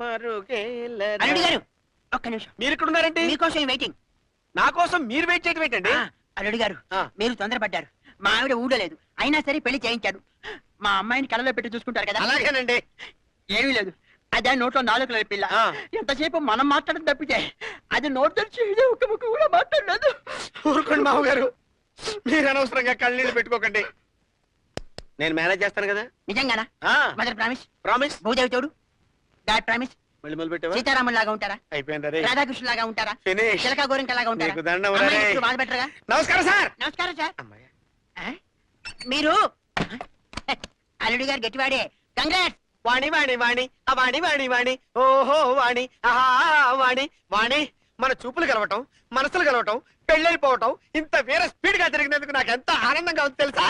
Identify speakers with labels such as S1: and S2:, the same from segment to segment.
S1: అల్లుడు గారు ఒక్క నిమిషం.
S2: మీరు ఇక్కడ ఉన్నారంటే
S1: మీకోసం వెయిటింగ్.
S2: నా కోసం మీరు వెయిట్ చేయడం ఏంటండి?
S1: అల్లుడు గారు మీరు తొందరపడ్డారు. మా ఆవిడ ఊళ్ళో లేదు, అయినా సరే పెళ్లి చేయించారు. మా అమ్మాయిని కళ్ళలో పెట్టి చూసుకుంటారు కదా.
S2: అలాగేనండి.
S1: ఏమీ లేదు, అదే నోట్లో నాలుగు పిల్ల. ఎంతసేపు మనం మాట్లాడడం తప్పితే అది నోట్ తెరిచి ఒక ముక్క కూడా మాట్లాడలేదు.
S2: ఊరుకోండి మామగారు, మీరు అనవసరంగా కళ్ళనీళ్ళు పెట్టుకోకండి. నేను మేనేజ్ చేస్తాను కదా.
S1: నిజంగానా? Mother promise.
S2: ప్రామిస్.
S1: భూదేవి తోడు. God promise.
S2: మళ్ళీ మొదలు పెట్టావా?
S1: సీతారాముల లాగా ఉంటారా?
S2: అయిపోయింది.
S1: రాధాకృష్ణ లాగా ఉంటారా?
S2: ఫినిష్.
S1: చిలక గోరింక లాగా ఉంటారా? బాధ పెట్టరుగా?
S2: నమస్కారం సార్.
S1: నమస్కారం సార్. మీరు అల్లుడి గారు గట్టివాడే. కంగ్రాట్స్.
S2: వాణి వాణి వాణి వాణి వాణి వాణి ఓహో వాణి ఆహా వాణి వాణి. మన చూపులు కలవటం, మనసులు కలవటం, పెళ్ళైపోవటం ఇంత వేరే స్పీడ్ గా జరిగినందుకు నాకు ఎంత ఆనందంగా ఉంది తెలుసా?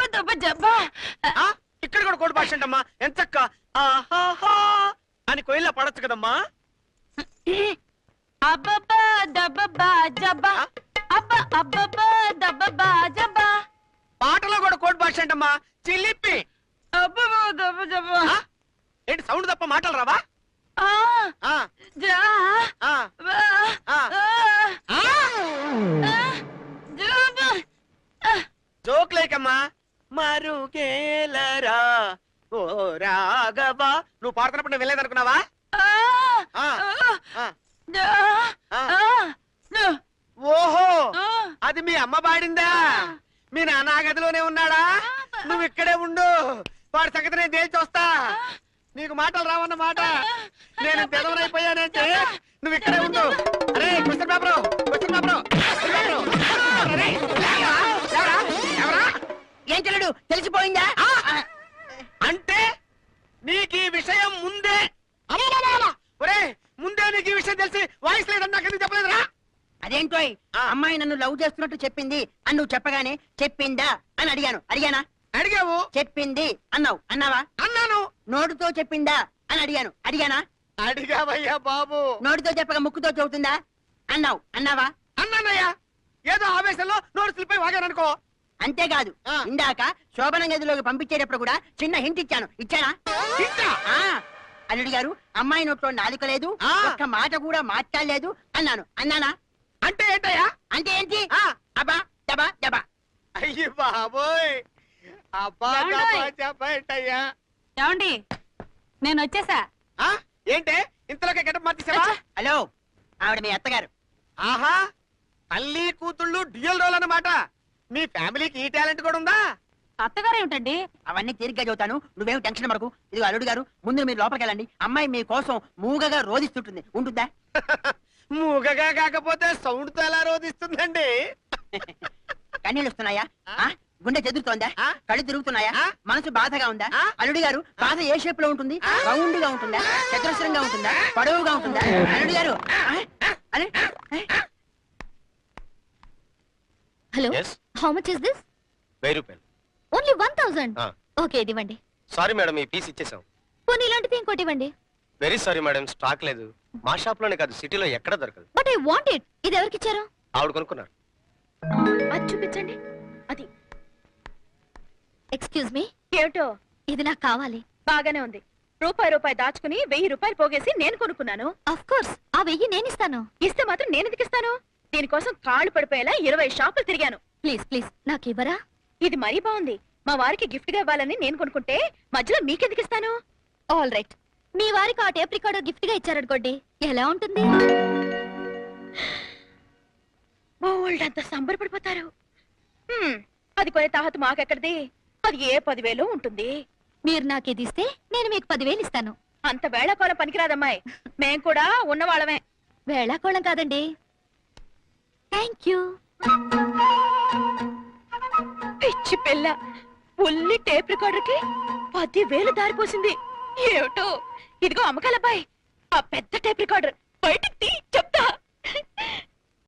S2: ఇక్కడ కూడా కోడి భాష అంటమ్మా. ఎంతక్క ఆహాహా అని కోయిల్లా పడొచ్చు కదమ్మా. పాటలో కూడా కోడి భాష అంటమ్మా. చిల్లిప్పి. ఏంటి సౌండ్ తప్ప మాటలు రావా? జోక్ లేకమ్మా. మరుగేలరా ఓ రాఘవా. నువ్వు పాడుతున్నప్పుడు నువ్వు వెళ్ళేదనుకున్నావా? ఓహో, అది మీ అమ్మ పాడిందా? మీ నాన్న గదిలోనే ఉన్నాడా? నువ్వు ఇక్కడే ఉండు, వాడి సంగతి నేను తేల్చి వస్తా. నీకు మాటలు రావన్న మాట. నేను తెలవనైపోయానంటే నువ్వు ఇక్కడే ఉండు. అరే క్వశ్చన్ పేపరు, క్వశ్చన్ పేపరు.
S1: ఏం చెల్లడు తెలిసిపోయిందా?
S2: అంటే నీకు ఈ విషయం ముందే ఒరే ముందే నీకు ఈ విషయం తెలిసి వాయిస్ లేదని నాకు ఎందుకు చెప్పలేదురా?
S1: అదేంటో అమ్మాయి నన్ను లవ్ చేస్తున్నట్టు చెప్పింది అని నువ్వు చెప్పగానే చెప్పిందా అని అడిగాను. అడిగానా?
S2: అడిగావు.
S1: చెప్పింది అన్నావు. అన్నావా?
S2: అన్నాను.
S1: నోటితో చెప్పిందా అని అడిగాను. అడిగానా?
S2: అడిగావయ్యా బాబు.
S1: నోటితో చెప్పక ముక్కుతో చెబుతుందా అన్నావు. అన్నావా?
S2: అన్నానయ్యా. ఏదో ఆవేశంలో నోరు స్లిప్ అయి వాగాను అనుకో.
S1: అంతేకాదు, ఇందాక శోభనం గదిలోకి పంపించేటప్పుడు కూడా చిన్న హింట్ ఇచ్చాను. ఇచ్చానా? అల్లుడి గారు అమ్మాయి నోట్లో నాలుక లేదు, ఒక్క మాట కూడా మాట్లాడలేదు అన్నాను. అన్నానా?
S2: అంటే ఏంటయ్యా?
S1: అంటే ఏంటి? అబ్బా దబా దబా.
S2: అయ్యి బాబోయ్, అబ్బా చెప్పయ్యా.
S3: ఏమండి, నేను వచ్చేసా.
S2: ఏంటే ఇంతలోకి గెటప్ మార్చేసావా?
S1: హలో, ఆవిడ మీ అత్తగారు.
S2: ఆహా, తల్లి కూతుళ్ళు డ్యూయల్ రోల్ అన్నమాట. మీ ఫ్యామిలీకి ఈ టాలెంట్ కూడా ఉందా?
S3: అత్తగారు ఏమిటండి?
S1: అవన్నీ తీరిగ్గా చదువుతాను, నువ్వేం టెన్షన్ పడకు. ఇది అల్లుడు గారు, ముందు మీరు లోపలికి వెళ్ళండి. అమ్మాయి మీ కోసం మూగగా రోధిస్తుంటుంది. ఉంటుందా?
S2: మూగగా కాకపోతే సౌండ్ తో ఎలా రోధిస్తుందండి?
S1: కన్నీళ్ళు వస్తున్నాయా? గుండె చెదురుతోందా? కళ్ళు తిరుగుతున్నాయా? మనసు బాధగా ఉందా? అల్లుడి గారు, బాధ ఏ షేప్ లో ఉంటుంది? రౌండ్ గా ఉంటుందా? చతురస్రంగా ఉంటుందా? పొడవుగా ఉంటుందా? అల్లుడి గారు,
S4: hello, how much is this?
S5: 1000 రూపాయలు.
S4: ఓన్లీ 1000. ఓకే, ఇది ఇవ్వండి.
S5: సారీ మేడం, ఈ పీస్ ఇచ్చేసాం.
S4: పోనీ ఇలాంటిది ఇంకోటి ఇవ్వండి.
S5: వెరీ సారీ మేడం, స్టాక్ లేదు. మా షాప్ లోనే కాదు, సిటీలో ఎక్కడ దొరకదు.
S4: But I want it. ఇది ఎవరికి ఇచ్చారు?
S5: ఆవిడ కొనుక్కున్నారు.
S4: అది చూపించండి. అది. Excuse me.
S3: ఏమిటో?
S4: ఇది నాకు కావాలి.
S3: బాగానే ఉంది. రూపాయి దాచుకుని 1000 రూపాయలు పోగేసి నేను కొనుక్కున్నాను.
S4: ఆఫ్ కోర్స్, ఆ 1000 నేను ఇస్తాను.
S3: ఇస్తే మాత్రం నేను ఎందుకు ఇస్తాను? దీనికోసం కాళ్ళు పడిపోయేలా 20 షాపులు తిరిగాను.
S4: ప్లీజ్ ప్లీజ్, నాకు ఇవ్వరా?
S3: ఇది మరీ బాగుంది. మా వారికి గిఫ్ట్ గా ఇవ్వాలని నేను కొనుక్కుంటే మధ్యలో మీకెందుకు ఇస్తాను?
S4: ఆల్ రైట్, మీ వారికి ఆ టేప్ రికార్డర్ గిఫ్ట్ గా ఇచ్చారనుకోండి, ఎలా ఉంటుంది?
S3: బోల్డ్ అంత సంబరపడిపోతారు. అది కొనే తాహత మాకెక్కడిది? అది ఏ 10,000 ఉంటుంది.
S4: మీరు నాకు ఇది ఇస్తే నేను మీకు 10,000 ఇస్తాను.
S3: అంత వేళాకోళం పనికిరాదమ్మాయి. మేం కూడా ఉన్నవాళ్ళమే.
S4: వేళాకోళం కాదండి. Thank you.
S3: పిచ్చి పిల్ల, ఉల్లి టేప్ రికార్డర్ కి 10,000 దారిపోసింది. ఏమిటో. ఇదిగో అమ్మకాలబ్బాయి, ఆ పెద్ద టేప్ రికార్డర్ బయటికి తీ చెప్తా.